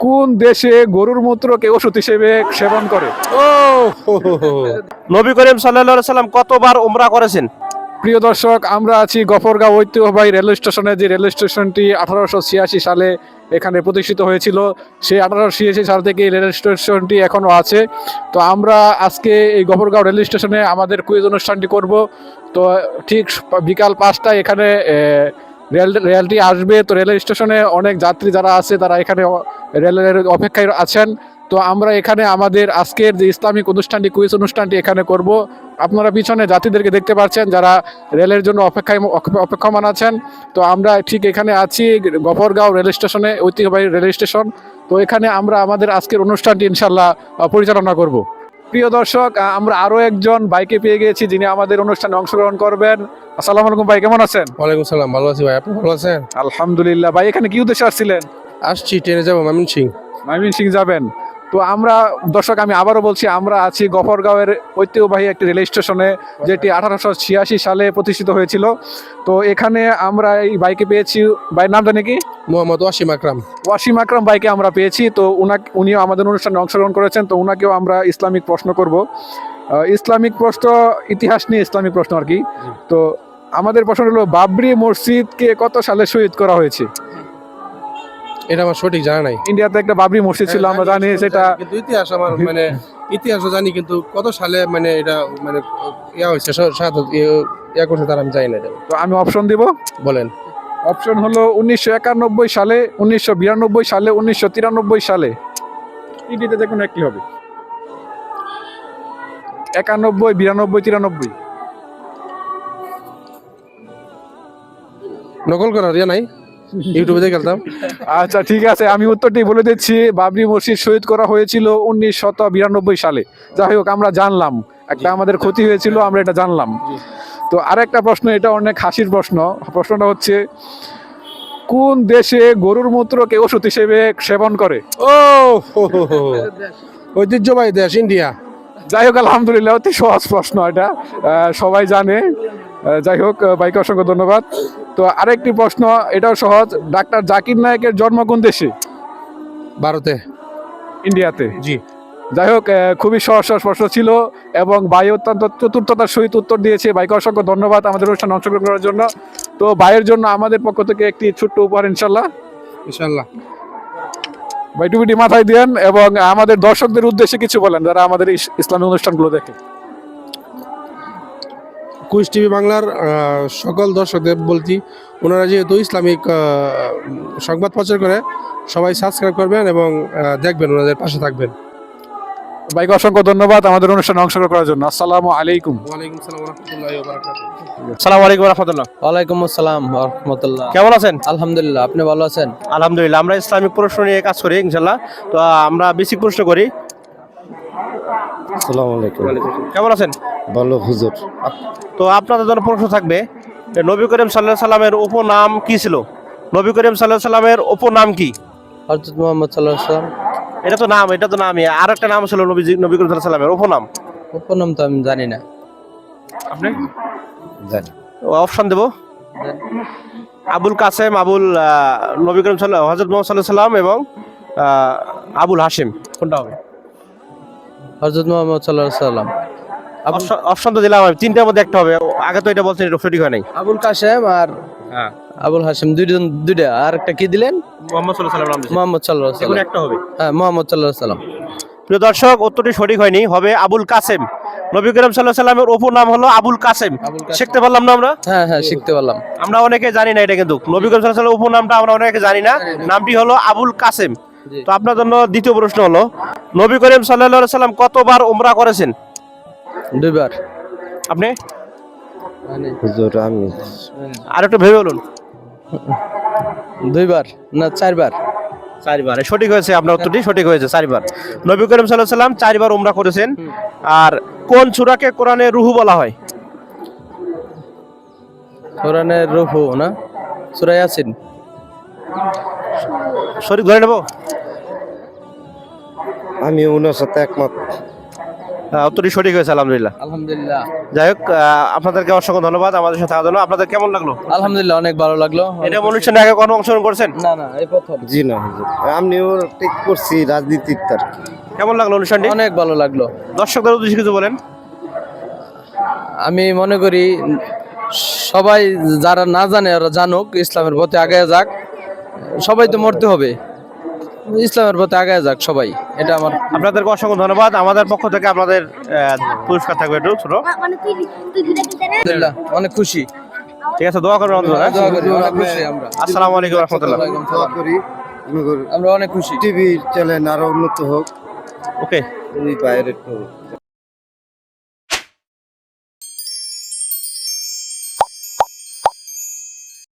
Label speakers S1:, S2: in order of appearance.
S1: কোন দেশে গরুর মূত্রকে ওষুধ হিসেবে সেবন করে?
S2: ও হো হো হো। নবী করিম সাল্লাল্লাহু আলাইহি সাল্লাম কতবার উমরা করেছেন?
S1: প্রিয় দর্শক, আমরা আছি গফরগাঁও ঐতিহ্যবাহী রেল স্টেশনে। যে রেল স্টেশনটি 1886 সালে এখানে প্রতিষ্ঠিত হয়েছিল। সেই 1886 সাল থেকে এই রেল স্টেশনটি এখনো আছে। তো আমরা আজকে এই গফরগাঁও রেল স্টেশনে আমাদের কুইজ অনুষ্ঠানটি করব। তো ঠিক বিকাল 5টায় এখানে রেলটি আসবে। তো রেল স্টেশনে অনেক যাত্রী যারা আছে তারা এখানে রেলের অপেক্ষায় আছেন। তো আমরা এখানে আমাদের আজকের যে ইসলামিক অনুষ্ঠানটি, কুইজ অনুষ্ঠানটি এখানে করব। আপনারা পিছনে যাত্রীদেরকে দেখতে পাচ্ছেন যারা রেলের জন্য অপেক্ষমান আছেন। তো আমরা ঠিক এখানে আছি গফরগাঁও রেল স্টেশনে, ঐতিহ্যবাহী রেল স্টেশন। তো এখানে আমরা আমাদের আজকের অনুষ্ঠানটি ইনশাল্লাহ পরিচালনা করব। প্রিয় দর্শক, আমরা আরো একজন বাইকে পেয়ে গিয়েছি যিনি আমাদের অনুষ্ঠানে অংশগ্রহণ করবেন। আসসালামু আলাইকুম ভাই, কেমন আছেন?
S3: ওয়ালাইকুম সালাম, ভালো আছি ভাই। আপনি ভালো আছেন?
S1: আলহামদুলিল্লাহ। ভাই এখানে কি উদ্দেশ্যে আসছিলেন?
S3: আসছি, ট্রেনে যাবো ময়মনসিং।
S1: ময়মনসিং যাবেন? তো আমরা দর্শক, আমি আবারও বলছি, আমরা আছি গফরগাঁওয়ের ঐতিহ্যবাহী একটি রেল স্টেশনে, যেটি 1886 সালে প্রতিষ্ঠিত হয়েছিল। তো এখানে আমরা এই বাইকে পেয়েছি, ভাইয়ের নাম জানি কি?
S3: মোহাম্মদ ওয়াসিম আকরাম।
S1: ওয়াসিম আকরাম বাইকে আমরা পেয়েছি। তো উনিও আমাদের অনুষ্ঠানে অংশগ্রহণ করেছেন। তো উনাকেও আমরা ইসলামিক প্রশ্ন করব, ইসলামিক প্রশ্ন, ইতিহাস নিয়ে ইসলামিক প্রশ্ন আর কি। তো আমাদের প্রশ্ন হলো, বাবরি মসজিদকে কত সালে শহীদ করা হয়েছে?
S3: এটা আমার সঠিক জানা নাই।
S1: ইন্ডিয়াতে একটা বাবরি মসজিদ ছিল, আমরা জানি সেটা।
S3: কিন্তু ইতিহাস আমার মানে ইতিহাসও জানি, কিন্তু কত সালে মানে এটা মানে ইয়া হয়েছে ইয়া করছে তার আমি জানি না এটা।
S1: তো আমি অপশন দিব,
S3: বলেন।
S1: অপশন হলো 1991 সালে, 1992 সালে, 1993 সালে। তিনটিতে যে কোনো একটি হবে। 91, 92, 93।
S3: নকল করার ইয়া নাই, ইউটিউবে দেখে খেলতাম।
S1: আচ্ছা ঠিক আছে, আমি উত্তরটি বলে দিচ্ছি। বাবরি মসজিদ শহীদ করা হয়েছিল 1992 সালে। যাই হোক, আমরা জানলাম, একটা আমাদের ক্ষতি হয়েছিল, আমরা এটা জানলাম। তো আরেকটা প্রশ্ন, এটা অনেক হাসির প্রশ্ন। প্রশ্নটা হচ্ছে, কোন দেশে গরুর মূত্রকে ওষুধ হিসেবে সেবন করে?
S3: ও হো হো হো। ঐতিহ্যবাহী দেশ ইন্ডিয়া।
S1: যাই হোক, আলহামদুলিল্লাহ, অতি সহজ প্রশ্ন এটা, সবাই জানে। যাই হোক, ভাইকে অসংখ্য ধন্যবাদ। তো আরেকটি প্রশ্ন, এটাও সহজ। ডাক্তার জাকির নায়েকের জন্ম কোন দেশে?
S3: ভারতে।
S1: ইন্ডিয়াতে।
S3: জি।
S1: যাই হোক, খুবই সহজ সহজ প্রশ্ন ছিল এবং ভাই অত্যন্ত চতুর্থতার সহিত উত্তর দিয়েছে। ভাইকে অসংখ্য ধন্যবাদ আমাদের অনুষ্ঠানে অংশগ্রহণ করার জন্য। তো ভাইয়ের জন্য আমাদের পক্ষ থেকে একটি ছোট্ট উপহার ইনশাল্লাহ।
S3: ইনশাআল্লাহ।
S1: ভাই টুপিটি মাথায় দেন এবং আমাদের দর্শকদের উদ্দেশ্যে কিছু বলেন যারা আমাদের এই ইসলামী অনুষ্ঠানগুলো দেখে।
S3: কুইজ টিভি বাংলার সকল দর্শকদের বলছি, ওনারা যেহেতু ইসলামিক সংবাদ প্রচার করে, সবাই সাবস্ক্রাইব করবেন এবং দেখবেন, ওনাদের পাশে থাকবেন।
S1: ভাইকে অসংখ্য ধন্যবাদ আমাদের অনুষ্ঠানে অংশগ্রহণ করার জন্য। আসসালামু আলাইকুম।
S3: ওয়ালাইকুম আসসালাম ওয়া রাহমাতুল্লাহি ওয়া বারাকাতুহু।
S2: আসসালামু আলাইকুম ওয়া রাহমাতুল্লাহ।
S4: ওয়ালাইকুম আসসালাম ওয়া রাহমাতুল্লাহ।
S2: কেমন আছেন?
S4: আলহামদুলিল্লাহ, আপনি ভালো আছেন?
S2: আলহামদুলিল্লাহ। আমরা ইসলামিক প্রশ্ন নিয়ে কাজ করি ইনশাআল্লাহ। তো আমরা বেসিক প্রশ্ন করি।
S5: আসসালামু আলাইকুম।
S2: কেমন আছেন?
S5: ভালো হুজুর।
S2: তো আপনাদের জন্য প্রশ্ন থাকবে, নবী করিম সাল্লাল্লাহু আলাইহি সাল্লামের উপনাম কি ছিল? নবী করিম সাল্লাল্লাহু আলাইহি সাল্লামের উপনাম কি?
S4: হযরত মুহাম্মদ সাল্লাল্লাহু আলাইহি ওয়াসাল্লাম।
S2: এটা তো নামই। আর একটা নাম ছিল নবী করিম সাল্লাল্লাহু আলাইহি সাল্লামের উপনাম।
S4: উপনাম তো আমি জানি না।
S2: আপনি
S5: জানি।
S2: অপশন দেব। আবুল কাসেম, নবী করিম হযরত মুহাম্মদ সাল্লাল্লাহু আলাইহি সাল্লাম এবং আবুল হাশিম, কোনটা হবে?
S4: হযরত মুহাম্মদ সাল্লাল্লাহু আলাইহি ওয়াসাল্লাম।
S2: অপশন তো দিলাম আমি, তিনটার মধ্যে একটা হবে। আগে তো এটা বলছেন, এটা সঠিক হয় নাই।
S4: আবুল কাসেম আর
S2: হ্যাঁ,
S4: আবুল হাশিম, দুইটা। আর একটা কি দিলেন?
S2: মুহাম্মদ সাল্লাল্লাহু আলাইহি ওয়াসাল্লাম।
S4: মুহাম্মদ সাল্লাল্লাহু আলাইহি
S2: এখন
S4: ওয়াসাল্লাম।
S2: একটা হবে।
S4: হ্যাঁ, মুহাম্মদ সাল্লাল্লাহু আলাইহি ওয়াসাল্লাম।
S2: প্রিয় দর্শক, উত্তরটি সঠিক হয়নি, হবে আবুল কাসেম। নবী করিম সাল্লাল্লাহু আলাইহি সাল্লামের উপনাম হলো আবুল কাসেম। শিখতে পারলাম না আমরা?
S4: হ্যাঁ হ্যাঁ, শিখতে পারলাম।
S2: আমরা অনেকে জানি না এটা, কিন্তু নবী করিম সাল্লাল্লাহু আলাইহি সাল্লামের উপনামটা আমরা অনেকে জানি না। নামটি হলো আবুল কাসেম। তো আপনার জন্য দ্বিতীয় প্রশ্ন হলো, নবী করিম সাল্লাল্লাহু আলাইহি সাল্লাম কতবার উমরা করেছেন?
S4: দুইবার।
S2: আপনি?
S5: হুজুর আমি
S2: আর একটু ভেবে বলুন।
S4: দুইবার না চারবার?
S2: চারবার। সঠিক হয়েছে, আপনার উত্তরটি সঠিক হয়েছে, চারবার। নবী করিম সাল্লাল্লাহু আলাইহি সাল্লাম চারবার উমরা করেছেন। আর কোন সূরাকে কোরআনে রুহু বলা হয়?
S4: কোরআনের রূহু না, সূরা ইয়াসিন।
S2: সঠিক ধরে নেব?
S5: আমি ওনার সাথে একমত।
S2: উত্তরটি সঠিক হয়েছে আলহামদুলিল্লাহ।
S4: আলহামদুলিল্লাহ।
S2: যাই হোক আপনাদেরকে অসংখ্য ধন্যবাদ আমাদের সাথে থাকার জন্য। আপনাদের কেমন লাগলো?
S4: আলহামদুলিল্লাহ, অনেক ভালো লাগলো।
S2: এটা অনুষ্ঠানে আগে কোনো অংশগ্রহণ করছেন?
S4: না না, এই প্রথম।
S5: জি না হুজুর, আমিও ঠিক করছি রাজনীতির তার।
S2: কেমন লাগলো অনুষ্ঠানটি?
S4: অনেক ভালো লাগলো।
S2: দর্শকদের উদ্দেশ্যে কিছু বলেন।
S4: আমি মনে করি সবাই যারা না জানে ওরা জানুক, ইসলামের পথে আগে যাক। সবাই তো মরতে হবে, ইসলামের পথে আগে যাক সবাই, এটা আমার।
S2: আপনাদেরকে অসংখ্য ধন্যবাদ। আমাদের পক্ষ থেকে আপনাদের পুরস্কার থাকবে একটু ছোট।
S4: আলহামদুলিল্লাহ, অনেক খুশি।
S2: ঠিক আছে, দোয়া করবেন বন্ধুরা।
S4: দোয়া করি, অনেক খুশি আমরা।
S2: আসসালামু আলাইকুম রহমতুল্লাহ।
S5: দোয়া করি
S4: আমরা অনেক খুশি।
S5: টিভি চ্যানেল আরো উন্নত হোক,
S2: ওকে।
S5: এই বাইরে একটু